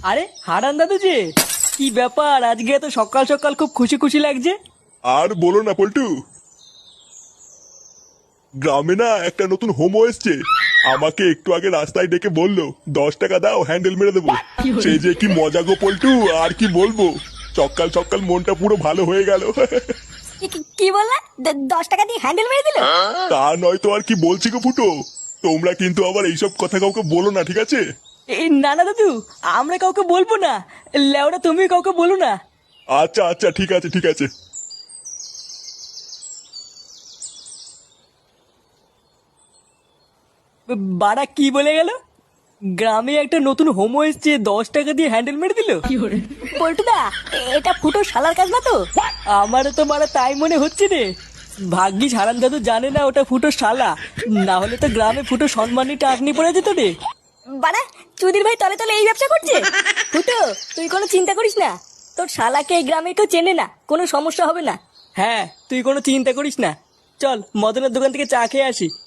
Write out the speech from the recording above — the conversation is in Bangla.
আরে হারান দাদু যে, কি ব্যাপার আজকে এত সকাল সকাল খুব খুশি খুশি লাগছে? আর বলো না পল্টু, গ্রামে না একটা নতুন হোমো এসছে। আমাকে একটু আগে রাস্তায় ডেকে বললো 10 টাকা দাও হ্যান্ডেল মেরে দেবো। সেই যে কি মজা গো পল্টু, আর কি বলবো। সকাল সকাল মনটা পুরো ভালো হয়ে গেল। কি বললা? 10 টাকা দিয়ে হ্যান্ডেল মেরে দিল? তা নয় তো আর কি বলছি গো ফুটো। তোমরা কিন্তু আবার এইসব কথা কাউকে বলো না, ঠিক আছে? এই না না দাদু, আমরা কাউকে বলবো না। লেওরা তুমি কাউকে বলো না। আচ্ছা আচ্ছা, ঠিক আছে ঠিক আছে। বাড়া কি বলে গেল? গ্রামে একটা নতুন হোমো এসছে, 10 টাকা দিয়ে হ্যান্ডেল মেরে দিল? পল্টুদা, এটা ফুটো শালার কাজ না তো? আমারও তো মারা তাই মনে হচ্ছে রে। ভাগ্যিস হারান দাদু জানে না ওটা ফুটো শালা, না হলে তো গ্রামে ফুটো সম্মানী টাকনি পড়ে যেত রে। বাড়া, চুদির ভাই তলে তলে এই ব্যবসা করছে। ফুটো, তুই কোনো চিন্তা করিস না। তোর শালাকে এই গ্রামে কেউ চেনে না, কোনো সমস্যা হবে না। হ্যাঁ, তুই কোনো চিন্তা করিস না। চল মদনের দোকান থেকে চা খেয়ে আসি।